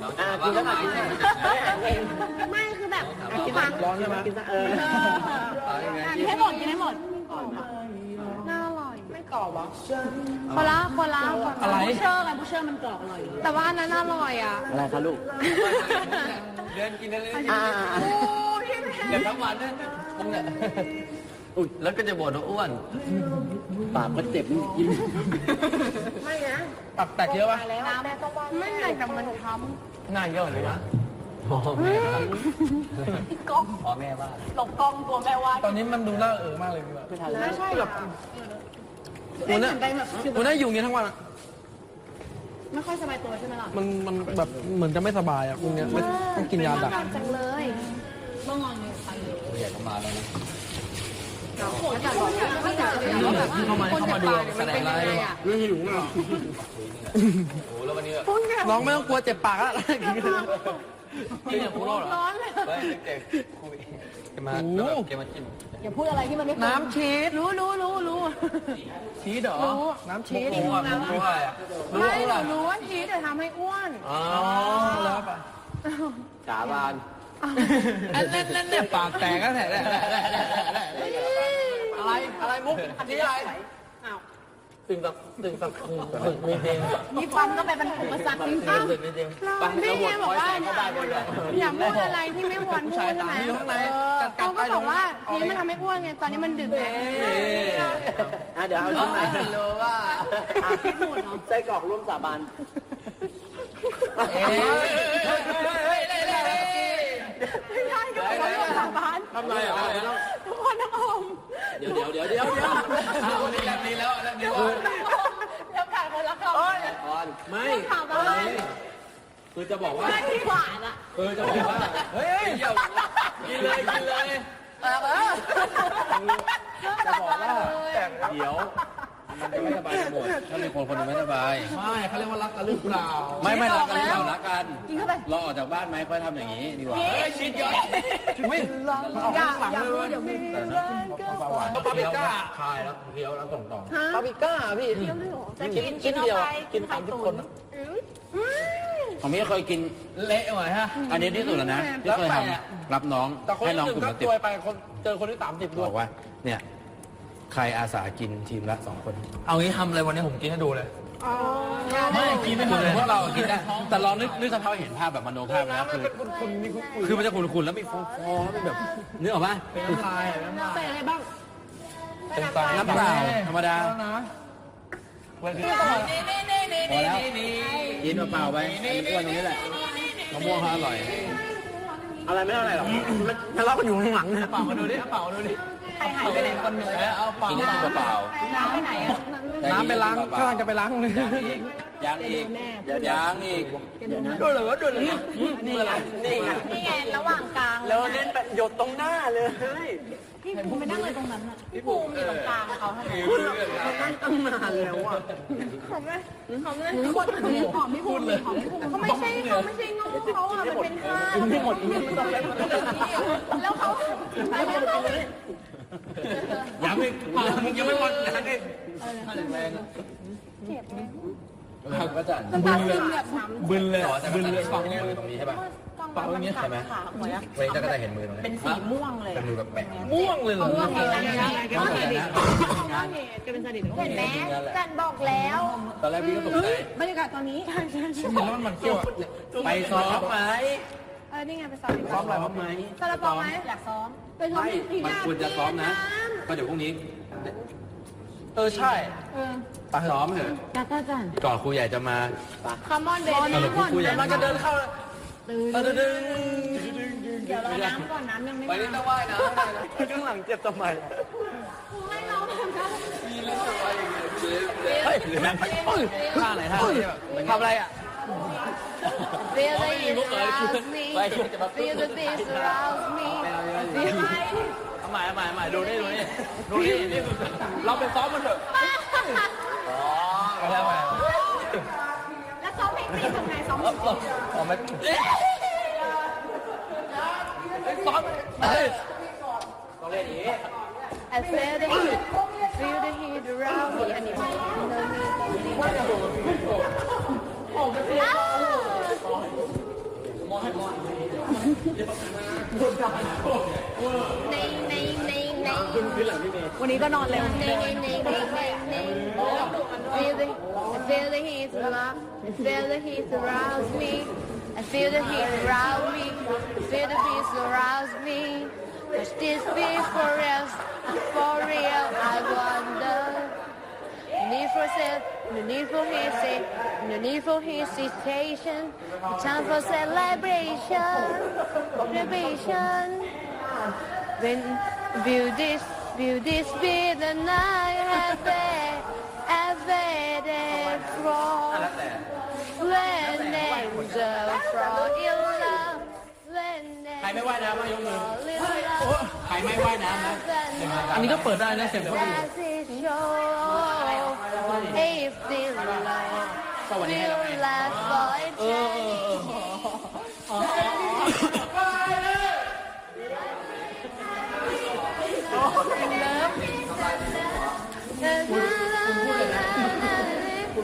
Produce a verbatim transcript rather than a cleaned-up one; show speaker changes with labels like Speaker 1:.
Speaker 1: อ่ากินแล้วค่ะกิน
Speaker 2: ไม่คือแบบทุกครั้ง
Speaker 1: ร้อนใช่ไหมกินซะเออ
Speaker 2: กินให้หมดกินให้หมดน่าอร่อยไม่กรอบหรอคนละคนละอะไรบูเชอร์ไงบูเชอร์มันกรอบอร่อยแต่ว่าอันนั้นอร่อยอ่ะ
Speaker 1: อะไรคะลูก
Speaker 3: เดินกินได้เลย
Speaker 1: อ่า
Speaker 3: เดี๋ยวทั้งวันเนี่ยมึงเนี่ยอุ้ยแล้วก็จะบ่นว่าอ้วน
Speaker 1: ปากก็เจ็บกินไม่นะปากแตกเยอะปะ
Speaker 2: น้ำไม่ไงแต่มันทำ
Speaker 3: ง่ายเยอะเลยนะพ่อแม่ก็พ่อแม่ว่า
Speaker 2: หลบกล้องตัวแม่ว่า
Speaker 3: ตอนนี้มันดูน่าเออมากเลยแบบ
Speaker 2: ไม่ใช่หรอก
Speaker 3: วันนี้วันนี้อยู่อย่างนี้ทั้งวันอ่ะ
Speaker 2: ไม่ค่อยสบายตัวใช่ไหมล่ะ
Speaker 3: มันมันแบบเหมือนจะไม่สบายอ่ะพวกเนี้ยไม่ต้องกินยาดัก
Speaker 2: จังเลยเมื่อวานเนี่ยไปเลย
Speaker 3: อยากมาแล้วนะ
Speaker 2: แล้วแต่บอกไม่อยากจะแบบว่า
Speaker 3: เข้ามาเข้ามาดูแสดงอะไร
Speaker 1: ไม่หิวอ่ะ
Speaker 3: โอ้แล้ววันนี้น้องไม่ต้องกลัวเจ็บปากแล้วกินอย่างพูดหรอ
Speaker 2: ร้อนเลย
Speaker 3: เด็กคุยแกมาแกมาจิ้ม
Speaker 2: อย่าพูดอะไรที่มันไม่น้ำชีสรู้รู้รู้รู้
Speaker 3: ชีสเหรอน้ำชีสรู้อ่ะรู้อ่ะ
Speaker 2: ไม่หนูรู้ว่าชีสจะทำให้อ้วน
Speaker 3: อ๋อแล้วป่ะ
Speaker 1: สาบาน
Speaker 3: เล่นเล่นเนี่ยปากแตกก็แตกอะไรอะไรมุกนี่อะไรตึงตับตึงตับตึงมีเพลง
Speaker 2: มีฟันก็ไปเป็นอุปสรรคจริง
Speaker 3: ตึงมีเพลง
Speaker 2: ๆพี่แกบอกว่าอย่าพูดอะไรที่ไม่ควรพูดใช่ไหมเขาก็บอกว่าชีสมันทำให้อ้วนไงตอนนี้มันดึกแล้ว
Speaker 1: อ่ะเดี๋ยวเอาชิ้นไหน
Speaker 3: รู้ว่า
Speaker 1: ไส้กรอกร่วมสาบาน
Speaker 3: เอ้ย
Speaker 2: ไม่ใช่ก็บอกว่าสาบาน
Speaker 1: ทำไรอ่ะ
Speaker 2: ทุกคนทั้งอม
Speaker 1: เดี๋ยวเดี๋ยวเดี๋ยวเดี๋ยวเดี๋ยว
Speaker 3: เอานี่แล้วนี่แล้วแล้วนี่ว่า
Speaker 2: แล้วกายคนละคำ
Speaker 1: ก่อนไม่
Speaker 2: ถามอะไร
Speaker 1: คือจะบอกว่า
Speaker 2: ไม่ที่หวานอ่ะ
Speaker 1: คือจะบอกว่า
Speaker 3: เฮ้ยเดี๋ยวกินเลยกินเลย
Speaker 1: จะบอกว่าเดี๋ยวมันจะไม่สบายหมดถ้ามีคนคนนึงไม่สบาย
Speaker 3: ไม่เขาเรียกว่ารักกันหรือเปล่า
Speaker 1: ไม่ไม่รักกันหรือเปล่ารักกัน
Speaker 2: กินเข้าไป
Speaker 1: เราออกจากบ้านไหมค่อยทำอย่างนี้ดีกว่า
Speaker 3: เฮ้ยชีสเยอะไม่
Speaker 2: อย่าอย่าพูดเดี๋ยวมี
Speaker 1: แต่นะปลาหวานเคี้ยวคายแล้วเคี้ยวแล้วส่งต่อ
Speaker 3: ปาปิก้าพี่
Speaker 2: จะกินกินเดียวกินสามสิบคน
Speaker 1: ผมไม่เคยกิน
Speaker 3: เละหน่อยฮะ
Speaker 1: อันนี้ที่สุดแล้วนะที่เคยทำรับน้อง
Speaker 3: แต่คน
Speaker 1: ให้น้อง
Speaker 3: ที่ห
Speaker 1: ก
Speaker 3: นึ่
Speaker 1: ลุ่
Speaker 3: ง
Speaker 1: ม
Speaker 3: ก็
Speaker 1: ละสิบ
Speaker 3: ตัวยไปคนเจอคนที่สามสิบด้
Speaker 1: บ
Speaker 3: วย
Speaker 1: อกว่าเนี่ยใครอาสากินทีมละสองคน
Speaker 3: เอางี้ทำอะไรวันนี้ผมกินให้ดูเลย
Speaker 2: ไม่
Speaker 3: กินไม่หมด
Speaker 1: เล
Speaker 3: เลย ย
Speaker 1: พวกเรากินได้แต่ลองนึกนึกสภาพเห็นภาพแบบมโนภาพนะคือคือมันจะขุ่นๆแล้วมีฟองๆแล้วมีแบบนึกออกป่ะ
Speaker 3: เป็นน้ำลายน้ำลาย
Speaker 2: ใส่อะไรบ้าง
Speaker 3: เป็นตา
Speaker 1: น้ำเปล่าธรรมดา
Speaker 3: นะวันนี้
Speaker 1: พอแล้วกินเปล่าๆไปไอ้อ้วนตรงนี้แหละมะม่วงเขาอร่อย อะไรไม่เท่าไหร่หรอกทะเลาะกันอยู่ข้างหลังเนี่ย
Speaker 3: เปล่ามาดูดิเปล่ามาดูดิใครหายไปไหนคนหนึ่งเอาเปล่า
Speaker 1: กินให้กินเปล่า
Speaker 2: น้ำไปไหนอ่ะ
Speaker 1: ๆ
Speaker 3: น้ำไปล้างข้างจะไปล้างเลย
Speaker 1: ยางอีกยางอีก
Speaker 3: ดูเลยว่าดูเลยนี่อะไรนี่ไง
Speaker 2: นี่ไงระหว่างกลาง
Speaker 1: แล้วเล่นหยดตรงหน้าเลย
Speaker 2: พี่ภูมิไปนั่งเลยตรงนั้นอ่ะพี่ภูมิอยู่ตรงกลางเขาทำไม
Speaker 1: คุณนั่งตั้งนานแล้วอ่ะ
Speaker 2: ของเลยของเลยคนของพี่ภูมิของพี่ภูมิเขาไม่ใช่เขาไม่ใช่งงเขาอ่ะมันเป็นท่า
Speaker 1: ไม่หมดไม่หมด
Speaker 2: แล้วเขาแล้วเขา
Speaker 1: ยังไม่มึงยังไม่หมดยังไม่
Speaker 2: เจ็บไหม
Speaker 1: ก็จะ
Speaker 2: น้ำตาซึมแบบน้ำ
Speaker 1: บึนเลยบึนเลยฝังมือตรงนี้ใช่ป่ะ
Speaker 2: เปล่าอย่างนี้ใช่ไหม
Speaker 1: เว้ยก็จะเห็นมือตรงนี้
Speaker 2: เป็นสีม่วงเลย
Speaker 1: เป็นมือแบบแปะ
Speaker 3: ม่วงเลยเหรอ
Speaker 2: ม่วงเลยก็เห็นก็เป็นสนิทเห็นไหมจันบอกแล้ว
Speaker 1: ตอนแรกพี่ก็ตกใจ
Speaker 2: บรรยากาศตอนนี้
Speaker 3: มันมันเกี่ยว
Speaker 1: ไปซ้อมไหม
Speaker 2: เออนี่ไงไปซ้อม
Speaker 1: ซ้อมอะไรบ้างไหม
Speaker 2: ซาลาเปาไหมอยากซ้อมไปซ้อม
Speaker 1: ไม่มันควรจะซ้อมนะก็เดี๋ยวพรุ่งนี้
Speaker 3: เออใช่
Speaker 2: เออ
Speaker 1: ไปซ้อมเถอะ
Speaker 2: จ้าจ้าจ้า
Speaker 1: ก่อนครูใหญ่จะมา
Speaker 2: คัมมอนเบน
Speaker 1: สรุปครูใหญ่
Speaker 3: มันจะเดินเข้า
Speaker 2: ตื่น
Speaker 3: เออดึง
Speaker 2: เดี๋ยวรอน้ำก่อนน้ำยังไม่
Speaker 3: ไปนี่ต้องว่ายน้ำ
Speaker 1: ข้างหลังเจ็บทำไม
Speaker 2: ให้เราทำได้
Speaker 1: เฮ้ยหรือนั่งไป
Speaker 3: ท่าไหนท่าทำอะไรอ่ะ
Speaker 2: Feel the heat surrounds me Feel the beat surrounds me Feel my
Speaker 3: เอาใหม่เอาใหม่เอาใหม่ดูนี่ดูนี่ดูนี่นี่เราไปซ้อมมันเถอะอ๋อไปแล้วไป
Speaker 2: แล้วซ้อมเพลงตีทำไงซ้อม
Speaker 3: อ๋อไม่ซ้อมเฮ้ย
Speaker 1: ต้องเล่นอย่างนี้
Speaker 2: I feel the heat Feel the heat around me อันนี้ไม่รู้ในในในใน
Speaker 4: วันนี้ก็นอนเร็ว
Speaker 2: ในในในในใน feel the I feel the heat around I feel the heat around me I feel the heat around me I feel the beat around me Cause this be for real for real I wonder No need for self, no need for hesitation, no need for hesitation. Time for celebration, celebration. When will this, will this be the night I've waited, I've waited for? When angels fall in love, when
Speaker 3: ใครไม่ว่ายน้ำมายกมือ
Speaker 2: fall in love.
Speaker 3: ใครไม่ว่ายน้ำนะ อันนี้ก็เปิดได้นะเสียงเดี๋ยวก็ดี
Speaker 2: As it shows, if this love
Speaker 3: ก็วันนี้ให้เราไง
Speaker 2: will last for
Speaker 3: เออเออเออ
Speaker 2: eternity.